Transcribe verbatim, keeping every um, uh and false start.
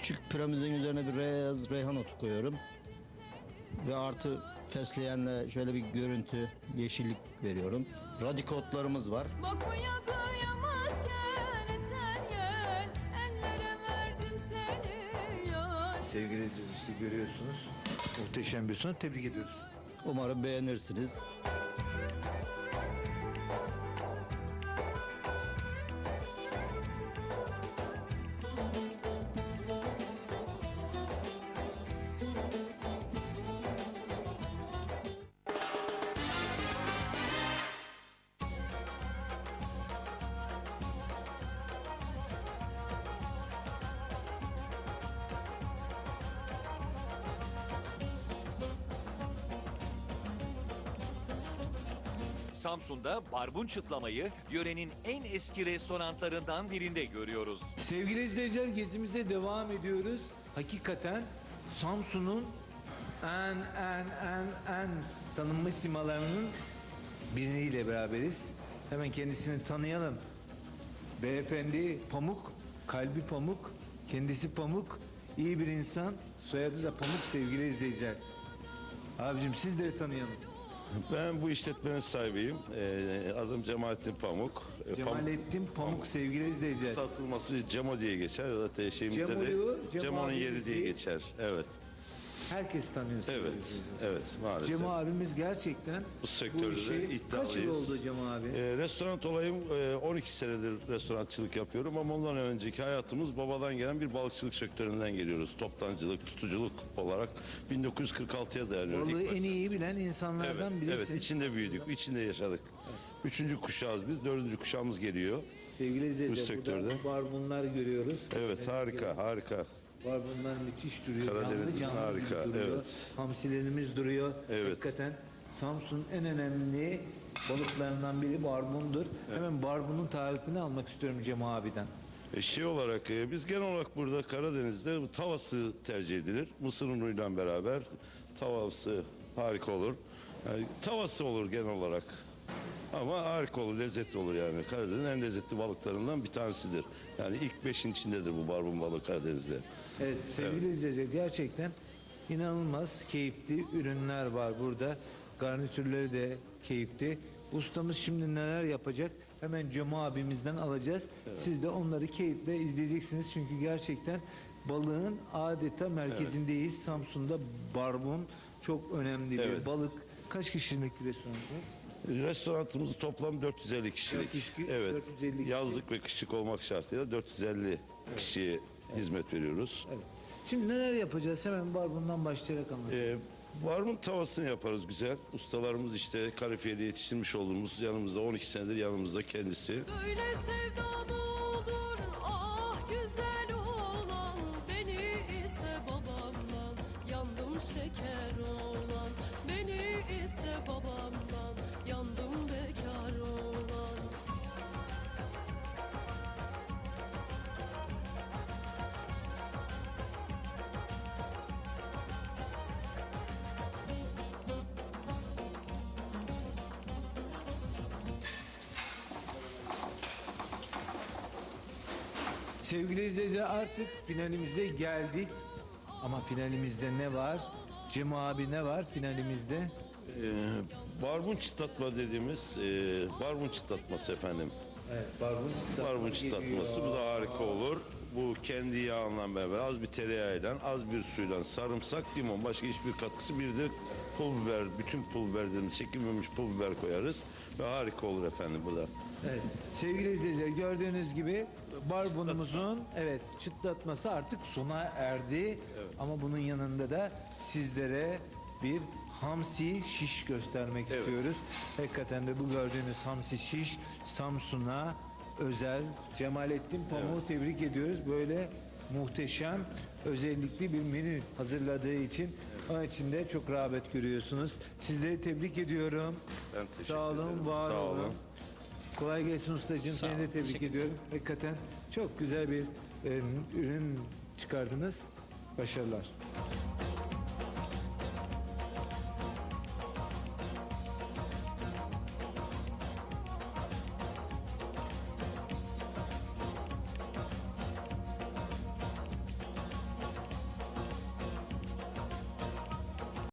Küçük piramidin üzerine bir beyaz reyhan otu koyuyorum. Ve artı fesleğenle şöyle bir görüntü, yeşillik veriyorum. Radikotlarımız var. Bakmaya kıyamazken sen gel, ellere verdim seni yar. Sevgili izleyiciler, işte görüyorsunuz. Muhteşem bir sunum. Tebrik ediyoruz. Umarım beğenirsiniz. Samsun'da barbun çıtlamayı yörenin en eski restoranlarından birinde görüyoruz. Sevgili izleyiciler, gezimize devam ediyoruz. Hakikaten Samsun'un en en en en tanınmış simalarının biriyle beraberiz. Hemen kendisini tanıyalım. Beyefendi Pamuk, kalbi Pamuk, kendisi Pamuk, iyi bir insan, soyadı da Pamuk sevgili izleyiciler. Abicim sizleri tanıyalım. Ben bu işletmenin sahibiyim. Ee, adım Cemalettin Pamuk. Ee, Pamuk- Cemalettin Pamuk sevgili izleyiciler. Satılması Cemo diye geçer. Zaten şeyimizde Cemo'yu, de Cemo Cemo'nun yeri abimizi- diye geçer. Evet. Herkes tanıyor sevgili Evet. izleyiciler. Evet maalesef. Cemo abimiz gerçekten Bu sektörde işi de kaç yıl iddialıyız. oldu Cemo abi? Ee, restoran olayım e, on iki senedir restorançılık yapıyorum ama ondan önceki hayatımız babadan gelen bir balıkçılık sektöründen geliyoruz. Toptancılık, tutuculuk olarak bin dokuz yüz kırk altıya dayanıyor. Balığı İlk en başta. iyi bilen insanlardan Evet, birisi. evet, içinde büyüdük, içinde yaşadık. Üçüncü kuşağız biz, dördüncü kuşağımız geliyor. Sevgili izleyiciler, Bu sektörde. burada barbunlar görüyoruz. Evet, harika, harika. Barbunlar müthiş duruyor. Karadeniz'in canlı canlı harika, gibi duruyor. evet. Hamsilerimiz duruyor. Evet. Hakikaten Samsun'un en önemli balıklarından biri barbundur. Hemen barbunun tarifini almak istiyorum Cemo abiden. E, şey olarak e, biz genel olarak burada Karadeniz'de bu tavası tercih edilir. Mısır unuyla beraber tavası harika olur. Yani, tavası olur genel olarak. Ama harika olur, lezzetli olur yani. Karadeniz'in en lezzetli balıklarından bir tanesidir. Yani ilk beşin içindedir bu barbun balığı Karadeniz'de. Evet sevgili izleyiciler, gerçekten inanılmaz keyifli ürünler var burada. Garnitürleri de keyifli. Ustamız şimdi neler yapacak? Hemen Cemo abimizden alacağız. Siz de onları keyifle izleyeceksiniz. Çünkü gerçekten balığın adeta merkezindeyiz. Samsun'da barbun çok önemli bir Evet. balık. Kaç kişilik restoranınız? Restoranımız toplam dört yüz elli kişilik. dört yüz kişi- Evet. dört yüz elli kişi. Yazlık ve kışlık olmak şartıyla dört yüz elli kişiye hizmet veriyoruz. Evet. Şimdi neler yapacağız? Hemen barbundan başlayarak anlatalım. Ee, Barbun tavasını yaparız güzel. Ustalarımız işte kalifiyeli yetiştirmiş olduğumuz yanımızda on iki senedir yanımızda kendisi. Böyle sevda mı olur, ah güzel oğlan. Beni iste babamdan, yandım şeker oğlan. Beni iste babamdan, yandım bekar oğlan. Sevgili izleyiciler, artık finalimize geldik. Ama finalimizde ne var? Cemo abi ne var finalimizde? Ee, barbun çıtlatma dediğimiz e, barbun çıtlatması efendim. Evet, barbun çıtlatması. Barbun çıtlatması bu da harika olur. Bu kendi yağından beraber az bir tereyağıyla, az bir suyla, sarımsak, limon, başka hiçbir katkısı, bir de pul biber, bütün pul biberlerimiz çekilmemiş pul biber koyarız ve harika olur efendim bu da. Evet. Sevgili izleyiciler, gördüğünüz gibi barbunumuzun evet çıtlatması artık sona erdi. Ama bunun yanında da sizlere bir hamsi şiş göstermek Evet. istiyoruz. Hakikaten de bu gördüğünüz hamsi şiş Samsun'a özel. Cemalettin Pamuk'u tebrik ediyoruz. Böyle muhteşem, özellikli bir menü hazırladığı için. Onun için de çok rağbet görüyorsunuz. Sizleri tebrik ediyorum. Ben teşekkür Sağ olun, ederim. var Sağ olun. olun. Kolay gelsin ustacığım. Sağ Seni de olun, tebrik teşekkür ediyorum. Hakikaten çok güzel bir e, ürün çıkardınız. Başarılar.